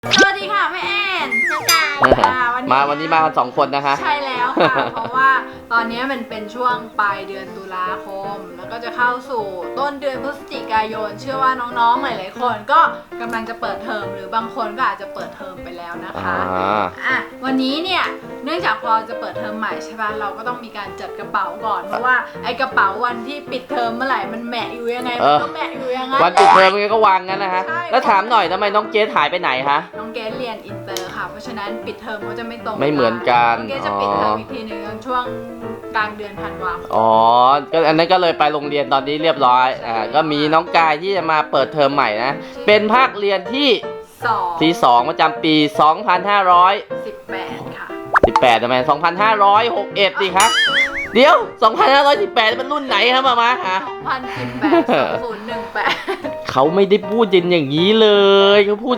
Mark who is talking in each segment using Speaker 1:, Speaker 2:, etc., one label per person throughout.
Speaker 1: สวัสดีค่ะแม่แอน
Speaker 2: น้องกาย
Speaker 1: วันนี้
Speaker 3: มากัน2 คนนะคะ
Speaker 1: ใช่แล้วค่ะ เพราะว่าตอนนี้มันเป็นช่วงปลายเดือนตุลาคม แล้วก็จะเข้าสู่ต้นเดือนพฤศจิกายน เชื่อว่าน้องๆหลายๆคนก็กำลังจะเปิดเทอมหรือบางคนก็อาจจะเปิดเทอมไปแล้วนะคะวันนี้เนี่ยเนื่องจากพอจะเปิดเทอมใหม่ใช่ป่ะเราก็ต้องมีการจัดกระเป๋าก่อนเพราะว่าไอ้กระเป๋าวันที่ปิดเทอมเมื่อไหร่มันแหมะอยู่ยังไงมันก็แหมะอยู่ยังไง
Speaker 3: วันปิดเทอมมันก็วางงั้นนะฮะแล้วถามหน่อยทำไมน้องเกสหายไปไหนคะ
Speaker 1: น้องเกสเรียนอินเตอร์ค่ะเพราะฉะนั้นปิดเทอมเขาจะไม่ตรง
Speaker 3: ไม่เหมือนกัน
Speaker 1: น้องเกสจะปิดเทอมอีกทีหนึ่งช่วงกลางเดือนธันวาคม
Speaker 3: อ๋อก็อันนั้นก็เลยไปโรงเรียนตอนนี้เรียบร้อยก็มีน้องกายที่จะมาเปิดเทอมใหม่นะเป็นภาคเรียนที่2ประจำปี
Speaker 1: 2518ค่ะ
Speaker 3: 18ทำไม2561ดิครับเดี๋ยว2518มันรุ่นไหนครับมาฮะ
Speaker 1: 2018 2018
Speaker 3: เขาไม่ได้พูดอย่างนี้เลยเขาพูด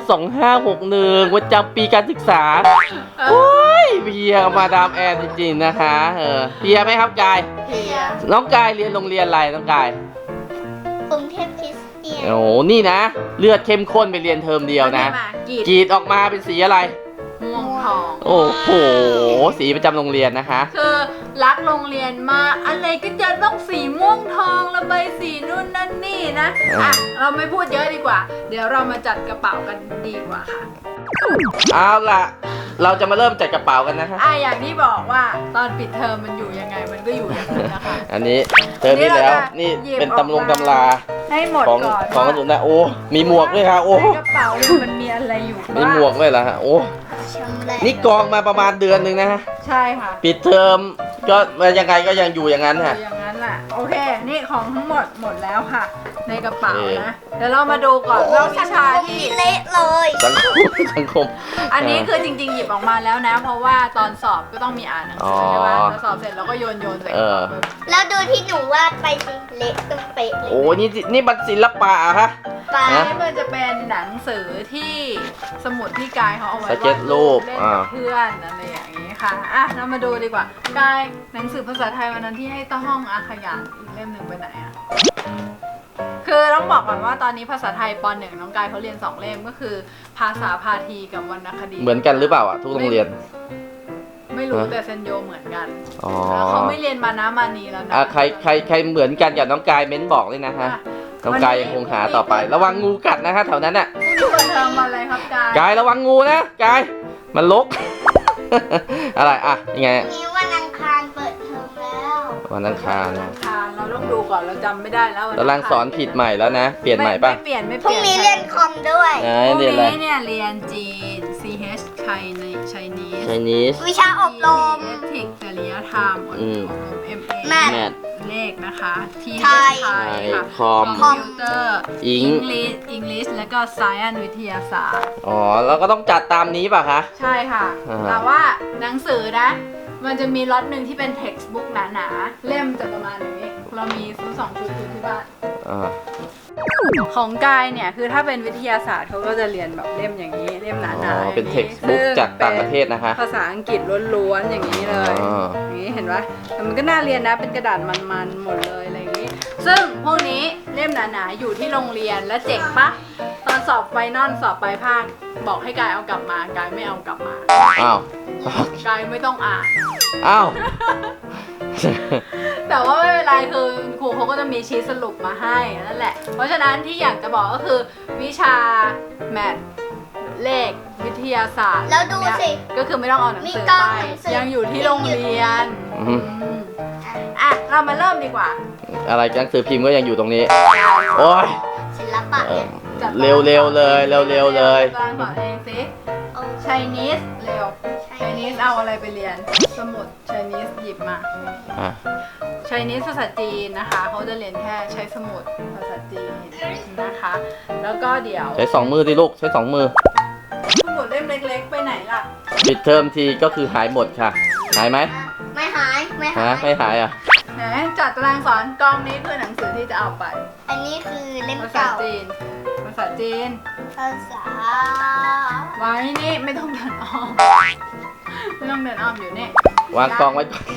Speaker 3: 2561ประจำปีการศึกษาโอ้ยเพียมาดามแอนจริงๆนะคะเพียไหมครับกาย
Speaker 1: เพีย
Speaker 3: น้องกายเรียนโรงเรียนอะไรน้องกาย
Speaker 2: กรุงเทพคริสเตียน
Speaker 3: โอ้นี่นะเลือดเข้มข้นไปเรียนเทอมเดียวนะกรีดออกมาเป็นสีอะไร
Speaker 1: ม่วงทอง
Speaker 3: โอ้โหสีประจำโรงเรียนนะคะ
Speaker 1: คือรักโรงเรียนมากอะไรก็จะต้องสีม่วงทองระบายสีนู่นนั่นนี่นะเราไม่พูดเยอะดีกว่าเดี๋ยวเรามาจัดกระเป๋ากันดีกว่าค่ะ
Speaker 3: เอาล่ะเราจะมาเริ่มจัดกระเป๋ากันนะคะ
Speaker 1: อย่างที่บอกว่าตอนปิดเทอมมันอยู่ยังไงมันก็อยู่อย่างนั้นนะคะ
Speaker 3: อันนี้เทอมนี้แล้วนี่เป็นตำรา
Speaker 1: ให้หมดก่อน
Speaker 3: ของกระสุนนะโอ้มีหมวกด้วยค่ะโอ้
Speaker 1: กระเป๋ามันมีอะไรอยู่
Speaker 3: มีหมวกด้วยเหรอฮะโอ้นี่กองมาประมาณเดือนนึงนะฮะ
Speaker 1: ใช่ค่ะ
Speaker 3: ปิดเทอมก็ยังไงก็ยังอยู่อย่างนั้นค่ะ
Speaker 1: อย่างนั้นแหละโอเคนี่ของทั้งหมดแล้วค่ะในกระเป๋านะเดี๋ยวเรามาดูก่อนว่าวิชาที่
Speaker 2: เละเลย
Speaker 3: สังคม
Speaker 1: อันนี้คือจริงๆหยิบออกมาแล้วนะเพราะว่าตอนสอบก็ต้องมีอ่านหนังสือใช่ไหมแล้วสอบเสร็จเราก็โยนใส่กระเป๋า
Speaker 2: แล้วดูที่หนูวาดไปสิเละตึ้งเป๊ะเลย
Speaker 3: โอ้นี่มันศิลปะอะฮะ
Speaker 1: นี่มันจะเป็นหนังสือที่สมุดที่กายเขาเอาไว้วาด
Speaker 3: รูป
Speaker 1: เล่นกับเพื่อนอะไรอย่างนี้ค่ะเรามาดูดีกว่ากายหนังสือภาษาไทยวันนั้นที่ให้ต้อห้องอาขยานอีกเล่มหนึ่งไปไหนคือต้องบอกก่อนว่าตอนนี้ภาษาไทยป .1 น้องกายเขาเรียน2 เล่มก็คือภาษาพาทีกับวรรณคดี
Speaker 3: เหมือนกันหรือเปล่าทุกโรงเรียน
Speaker 1: ไม่รู้แต่เซนโยเหมือนกันแล้วเขาไม่เรียนมานะมานีแล้วนะ
Speaker 3: ใครเหมือนกันกับน้องกายเม้นบอกเลยนะฮะน้องกายยังคงหาต่อไประวังงูกัดนะฮะแถวนั้นน่ะ
Speaker 1: เปิดเทอมอะไรครับ
Speaker 3: กายระวังงูนะกายมันลกอะไรยังไง
Speaker 2: นี่วันอังคารเปิดเทอมแล้ว
Speaker 3: วันอังคาร
Speaker 1: เราต้องดูก่อนเราจำไม่ได้แล้ว
Speaker 3: ตารางสอนผิดใหม่แล้วนะเปลี่ยนใหม่ป่ะ
Speaker 1: ไม่เปลี่ยน
Speaker 2: พรุ่งนี้เรียนคอมด้วย
Speaker 1: พรุ่งนี้เนี่ยเรียนจีน CH Chinese
Speaker 2: วิชาอบรม
Speaker 1: เอทิกจริยธรรมอบรม MA
Speaker 2: แมท
Speaker 1: เลขนะคะ
Speaker 3: ไทยคอม
Speaker 1: พิวเตอร์อังกฤษแล้วก็ Science วิทยาศาสตร์
Speaker 3: แล้วก็ต้องจัดตามนี้ป่ะคะ
Speaker 1: ใช่ค่ะแต่ว่าหนังสือนะมันจะมีล็อตหนึ่งที่เป็น textbook หนาๆเล่มจะประมาณนี้เรามีซื้อ2 ชุดอยู่ที่บ้านของกายเนี่ยคือถ้าเป็นวิทยาศาสตร์เขาก็จะเรียนแบบเล่มอย่างนี้เล่มหนาๆ
Speaker 3: เป็น textbook จากต่างประเทศนะคะ
Speaker 1: ภาษาอังกฤษล้วนๆอย่างนี้เลยอย่างนี้เห็นปะแต่มันก็น่าเรียนนะเป็นกระดาษมันๆหมดเลยอะไรอย่างนี้ซึ่งพวกนี้เล่มหนาๆอยู่ที่โรงเรียนและเจ๋งปะตอนสอบไฟนอลสอบปลายภาคบอกให้กายเอากลับมากายไม่เอากลับมากายไม่ต้องอ่านแต่ว่าไม่เป็นไรคือครูเขาก็จะมีชีทสรุปมาให้นั่นแหละเพราะฉะนั้นที่อยากจะบอกก็คือวิชาแมทเลขวิทยาศาสตร์
Speaker 2: แล้วดูสิ
Speaker 1: ก็คือไม่ต้องเอาหนังสือไปยังอยู่ที่โรงเรียนเรามาเริ่มดีกว่า
Speaker 3: อะไรหนังสือพิมพ์ก็ยังอยู่ตรงนี้โอ้ย
Speaker 2: ศิลปะ
Speaker 3: เร็วเลยตาร
Speaker 1: างสอนเองสิChinese เร็ว Chinese เอาอะไรไปเรียนสมุด Chinese หยิบมาChinese ภาษาจีนนะคะเขาจะเรียนแค่ใช้สมุดภาษาจีนนะคะแล้วก็เดี๋ยว
Speaker 3: ใช้2 มือสิลูกใช้2 มือ
Speaker 1: สมุดเล่มเล็กๆไปไหนล่ะ
Speaker 3: ปิดเทอมทีก็คือหายหมดค่ะหายไหม
Speaker 2: ไม่หายไม่
Speaker 3: หาย
Speaker 1: ไหนจัดตารางสอนกองนี้คือหนังสือที่จะเอาไป
Speaker 2: อันนี้คือเล่ม
Speaker 1: ภาษาจีนภาษาไว้นี่ไม่ต้องเดินอ้อมอยู่นี่
Speaker 3: วางกองไว้ก่อน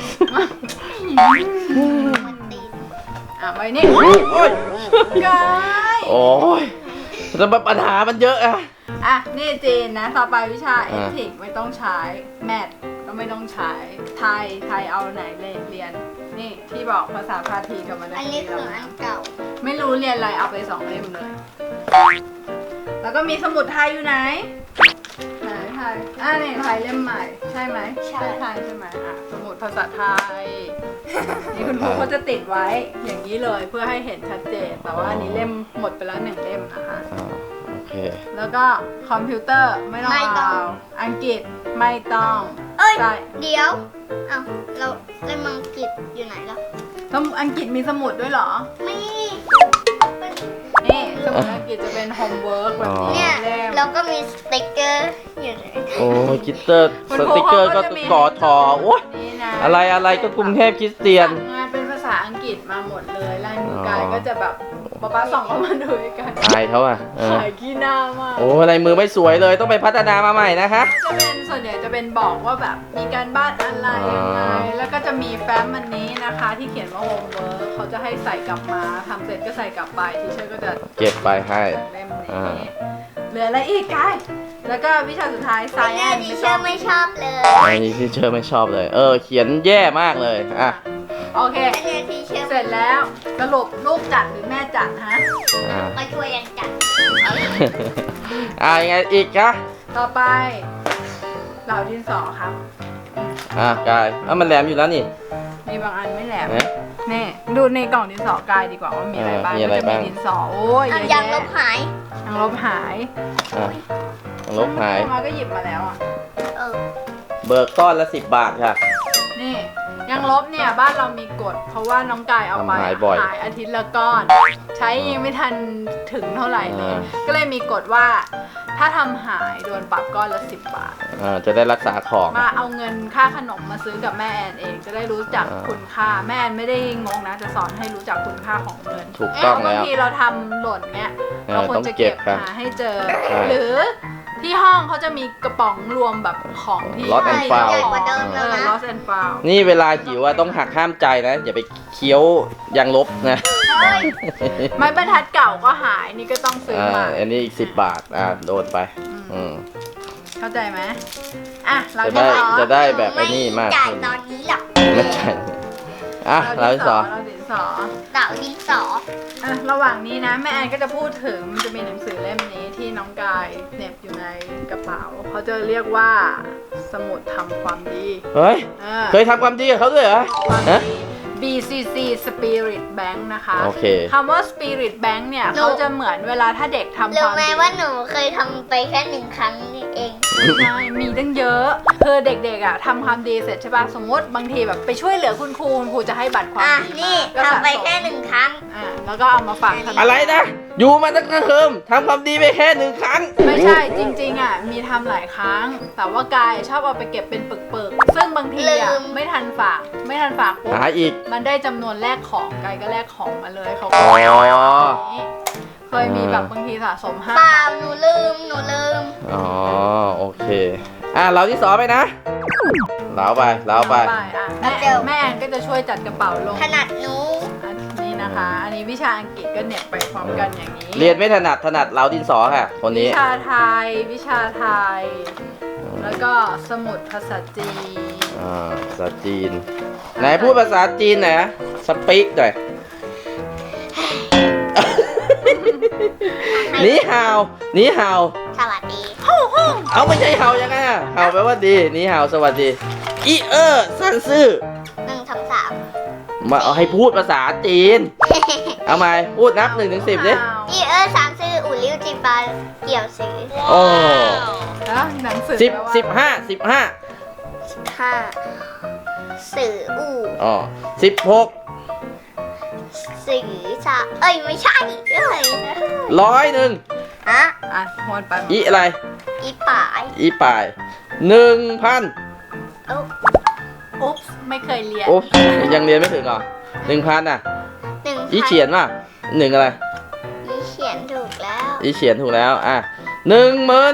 Speaker 1: ไว้นี่กาย
Speaker 3: โอ้ยแต่ปัญหามันเยอะ
Speaker 1: อ่ะนี่จีนนะต่อไปวิชาเอทิกไม่ต้องใช้แมทก็ไม่ต้องใช้ไทยเอาไหนเลยเรียนนี่ที่บอกภาษาพาทีกับวรรณค
Speaker 2: อัน
Speaker 1: ดี
Speaker 2: นี้คืออันเก่า
Speaker 1: ไม่รู้เรียนอะไรเอาไป2 เล่มเลย แล้วก็มีสมุดไทยอยู่ไหนไหนไทยนี่ไทยเล่มใหม่ใช่ไหมไทยใช่ไหมอ่ะสมุดภาษาไทยนี่คุณครูเขาจะติดไว้อย่างนี้เลยเพื่อให้เห็นชัดเจนแต่ว่าอันนี้เล่มหมดไปแล้ว1 เล่มนะคะ
Speaker 3: โอเค
Speaker 1: แล้วก็คอมพิวเตอร์ไม่ต้อง
Speaker 2: ไม่ต้อง
Speaker 1: เอาอังกฤษไม่ต้อง
Speaker 2: เอ้ย
Speaker 1: ใช่
Speaker 2: เดี๋ยวเอ้าเราเล่มอังกฤษอยู่ไหนล่ะ
Speaker 1: อังกฤษมีสมุดด้วยเหรอ
Speaker 2: ไม่
Speaker 1: นี่สมุดอังกฤษจะเป็นโฮมเวิร์กแบบนี้
Speaker 2: เนี่ย
Speaker 1: เล่ม
Speaker 2: แล้วก็มีสติ๊กเกอร์อยู่ไหน
Speaker 3: โอ้ยคิตเตอร์สติกเกอร์ก็กอทอโอ้ย
Speaker 1: นี่นะ
Speaker 3: อะไรก็กรุงเทพคริสเตียน
Speaker 1: สั่งงานเป็นภาษาอังกฤษมาหมดเลยลายมือกายก็จะแบบป๊าส่องเข้ามาดูด้วยกัน
Speaker 3: อายเขาอ่ะ
Speaker 1: ขายขี้หน้ามาก
Speaker 3: โอ้ลายมือไม่สวยเลยต้องไปพัฒนามาใหม่นะคะ
Speaker 1: จะเป็นส่วนใหญ่จะเป็นบอกว่าแบบมีการบ้านอะไรยังไงแล้วก็จะมีแฟ้มอันนี้นะคะที่เขียนว่าโฮมเวิร์กเขาจะให้ใส่กลับมาทำเสร็จก็ใส่กลับไปทีเชอร์ก็จะ
Speaker 3: เก็บไปให้
Speaker 1: เล่มนี้เหลืออะไรอีกกายแล้วก็วิชาสุดท้าย
Speaker 2: ไอ้เนี่ย
Speaker 1: science
Speaker 2: ดิเชอร์ไม่ชอบเลย
Speaker 3: อันนี้ที่เชอร์ไม่ชอบเลย เขียนแย่มากเลยอ่ะ
Speaker 1: โอเค
Speaker 2: ไอ้เนี่ยดิเชอร์
Speaker 1: เสร็จแล้วสรุปลูกจัดหรือแม่จัดฮะ
Speaker 3: อ่ะ
Speaker 2: มาช่วยกันจัด
Speaker 3: ยังไงอีกคะ
Speaker 1: ต่อไปเหล่าดินสอครับ
Speaker 3: กายมันแหลมอยู่แล้วนี่
Speaker 1: มีบางอันไม่แหลม
Speaker 3: นะ
Speaker 1: นี่ดูในกล่องดินสอกายดีกว่าว่ามีอะไรบ้าง
Speaker 3: มีอะไร
Speaker 1: ก็จะ
Speaker 3: บ้าง
Speaker 1: มีดินสอโอ้ยเย
Speaker 2: เอา
Speaker 1: อะ
Speaker 2: ยางล
Speaker 1: แยะ
Speaker 2: บหาย
Speaker 1: ยางลบหาย
Speaker 3: อ่ะลบหาย
Speaker 1: มาก็หยิบมาแล้วอ่ะ
Speaker 2: เออ
Speaker 3: เบิกก้อนละ10 บาทค่ะ
Speaker 1: นี่ยางลบเนี่ยบ้านเรามีกฎเพราะว่าน้องกายเอาไป
Speaker 3: ทำหายบ่อย
Speaker 1: หายอาทิตย์ละก้อน ใช้ยังไม่ทันถึงเท่าไหร่เลย
Speaker 3: อ่า
Speaker 1: ก็เลยมีกฎว่าถ้าทำหายโดนปรับก้อนละ10 บาท
Speaker 3: จะได้รักษาของ
Speaker 1: มาเอาเงินค่าขนมมาซื้อกับแม่แอนเองจะได้รู้จัก
Speaker 3: อ่า
Speaker 1: คุณค่าแม่แอนไม่ได้งงนะจะสอนให้รู้จักคุณค่าของเงิน
Speaker 3: ถูกต้อง
Speaker 1: บาง
Speaker 3: แล้ว
Speaker 1: ทีเราทำหล่นเนี้ย
Speaker 3: เออ
Speaker 1: เราควรจะเก็บ
Speaker 3: ต้องเก็บครับ
Speaker 1: หาให้เจอ
Speaker 3: ใช่
Speaker 1: หรือที่ห้องเขาจะมีกระป๋องรวมแบบของที่
Speaker 3: Lost and
Speaker 1: ให้
Speaker 3: found
Speaker 2: ใหญ่กว่าเดิม
Speaker 1: เอ
Speaker 2: แล้ว
Speaker 1: อ
Speaker 2: นะ
Speaker 1: lost and found
Speaker 3: นี่เวลาหิวอะต้องหักห้ามใจนะ อย่าไปเคี้ยวยางลบนะ
Speaker 2: เฮ้ย
Speaker 1: ไม้บรรทัดเก่าก็หายนี่ก็ต้องซื้อมา
Speaker 3: อันนี้อีก10 บาทโดนไป อืม
Speaker 1: เข้าใจไหมอ่ะเรา
Speaker 3: จะได้แบบไอ้นี่มาก
Speaker 2: จ่าย
Speaker 3: ขึ้น
Speaker 2: ตอนนี้หรอก
Speaker 3: ไม่ใช่เราที่สอง
Speaker 1: เราดินสอ
Speaker 2: เต่าดินสอ
Speaker 1: อ่ะระหว่างนี้นะแม่แอนก็จะพูดถึงมันจะมีหนังสือเล่มนี้ที่น้องกายเหน็บอยู่ในกระเป๋าเขาจะเรียกว่าสมุดทำความดี
Speaker 3: เฮ้ย
Speaker 1: เออ
Speaker 3: เคยทำความดีกับเขาด้วยเหรอ
Speaker 1: ความ
Speaker 3: ฮะ
Speaker 1: ดี BCC Spirit Bank นะคะ
Speaker 3: โอเค
Speaker 1: คำว่า Spirit Bank เนี่ยเขาจะเหมือนเวลาถ้าเด็กทำค
Speaker 2: รู้
Speaker 1: วาม
Speaker 2: ไหม
Speaker 1: ดี
Speaker 2: ว่าหนูเคยทำไปแค่1 ครั้งนี่เอง
Speaker 1: ใช่มีตั้งเยอะคือเด็กๆอ่ะทำความดีเสร็จใช่ป่ะสมมติบางทีแบบไปช่วยเหลือคุณครูจะให้บัตรความ
Speaker 2: อ่ะ
Speaker 1: ดี
Speaker 2: นี่
Speaker 1: มาก็สะ
Speaker 2: ทำไป
Speaker 1: สม
Speaker 2: แค่1 ครั้ง
Speaker 1: แล้วก็เอามาฝากธนาคาร
Speaker 3: อะไรนะ อยู่มาตั้งแต่เคิมทำความดีไปแค่1 ครั้ง
Speaker 1: ไม่ใช่จริงๆอ่ะมีทำหลายครั้ง แต่ว่ากายชอบเอาไปเก็บเป็นปึกๆซึ่งบางทีอ่ะ
Speaker 2: ลืม
Speaker 1: ไม่ทันฝากปุ๊บ
Speaker 3: หาอีก
Speaker 1: มันได้จำนวนแลกของกายก็แลกของมาเลยเขา
Speaker 3: อ๋
Speaker 1: ก็
Speaker 3: อ
Speaker 1: เคยมีแบบบางทีสะสม5
Speaker 2: เปล่า
Speaker 1: บาท
Speaker 2: หนูลืม
Speaker 3: อ๋อ โอเค เราที่สองไปนะเล้าไป
Speaker 1: อ่ะแม่แอนก็จะช่วยจัดกระเป๋าลง
Speaker 2: ขนาดหนู
Speaker 1: อันนี้นะคะ อันนี้วิชาอังกฤษก็เหน็บไปพร้อมกันอย่างนี้
Speaker 3: เรียนไม่ถนัดเล้าดินสอค่ะ คนนี้
Speaker 1: วิชาไทย แล้วก็สมุดภาษาจีน
Speaker 3: ภาษาจีน ไหนพูดภาษาจีนหน่อยนะสปีกหน่อย นี่ฮาวนี่ฮาว
Speaker 2: สวัสดี
Speaker 3: เอาไม่ใช่เห่ายังไงอะเห่าแปลว่าดี นี่เห่าสวัสดี อีซันซื่อ
Speaker 2: 1 2 3
Speaker 3: มาเอาให้พูดภาษาจีน เอามาพูดนับ1 ถึง 10ดิ
Speaker 2: อีสามซื่ออู่ลิ้วจีบาเกี่ยวซื้อ
Speaker 3: โอ้
Speaker 1: แล้วหนังสือ
Speaker 3: 15
Speaker 2: 5สื่ออู่
Speaker 3: อ๋อ16
Speaker 2: สื่อชาเอ้ยไม่ใช่เอ้ย
Speaker 3: 100
Speaker 2: ฮะ
Speaker 1: อ่ะหวนไป
Speaker 3: อีอะไร
Speaker 2: อีป่าย
Speaker 3: อีป่าย 1,000
Speaker 2: เอ้า
Speaker 1: อุ๊บไม่เคยเรียน
Speaker 3: โอ้ยังเรียนไม่ถึงเหรอ 1,000 อ่ะ
Speaker 2: 1,000
Speaker 3: อีเฉียนป่ะ1อะไร
Speaker 2: อีเขียนถูกแล้ว
Speaker 3: อีเฉียนถูกแล้ว 10,000
Speaker 2: 10,000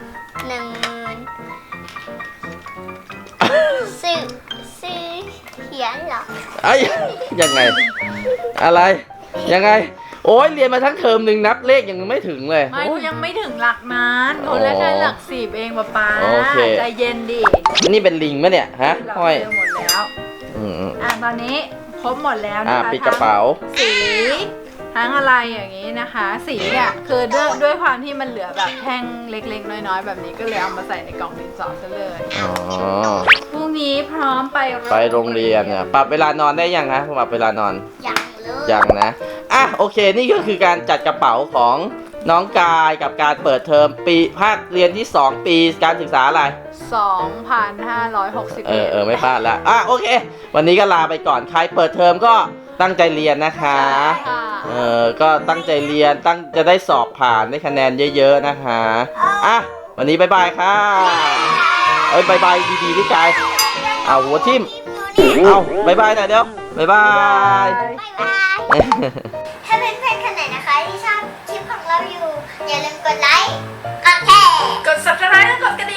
Speaker 2: สื่อเขียนเหรอ
Speaker 3: เอ้ยยังไง อะไร ยังไง โโอ้ยเรียนมาทั้งเทอมหนึ่งนับเลขยังไม่ถึงเลย
Speaker 1: ไม่เขายังไม่ถึงหลักนั้นเขาแค่หลัก10เองป๊า
Speaker 3: โอเค
Speaker 1: ใจเย็นดิ
Speaker 3: นี่เป็นลิงไหมเนี่ยฮะ
Speaker 1: เรา
Speaker 3: ห้อย
Speaker 1: เจอหมดแล้ว
Speaker 3: อืม
Speaker 1: ตอนนี้ครบหมดแล้วนะคะ
Speaker 3: ปิดกระเป๋า
Speaker 1: ทั้งสีทั้งอะไรอย่างนี้นะคะ สีเนี่ยคือด้วยความที่มันเหลือแบบแท่งเล็กๆน้อยๆ แบบนี้ก็เลยเอามาใส่ในกล่องดินสอซะเลย
Speaker 3: อ๋อ
Speaker 1: พรุ่งนี้พร้อมไป
Speaker 3: ไปโรงเรียนเนี่ยปรับเวลานอนได้ยังคะปรับเวลานอน
Speaker 2: ยังเลย
Speaker 3: ยังนะอ่ะโอเคนี่ก็คือการจัดกระเป๋าของน้องกายกับการเปิดเทอมปีภาคเรียนที่ 2 ปีการศึกษาอะไร
Speaker 1: 2,561
Speaker 3: ไม่พลาดละอ่ะโอเค วันนี้ก็ลาไปก่อนใครเปิดเทอมก็ตั้งใจเรียนนะคะ
Speaker 1: ค่ะ
Speaker 3: ก็ตั้งใจเรียนจะได้สอบผ่านได้คะแนนเยอะๆนะคะอ่ะวันนี้บายบายค่ะบายบายดีๆพี่กายเอาหัวทิ่มเอาบายบายหน่อยเดี๋ยวบายบาย
Speaker 2: บ๊ายบาย ถ้าเพื่อนๆคนไหนนะคะที่ชอบคลิปของเราอยู่ อย่าลืมกดไลค์ กดแชร์
Speaker 1: กด subscribe และกดกระ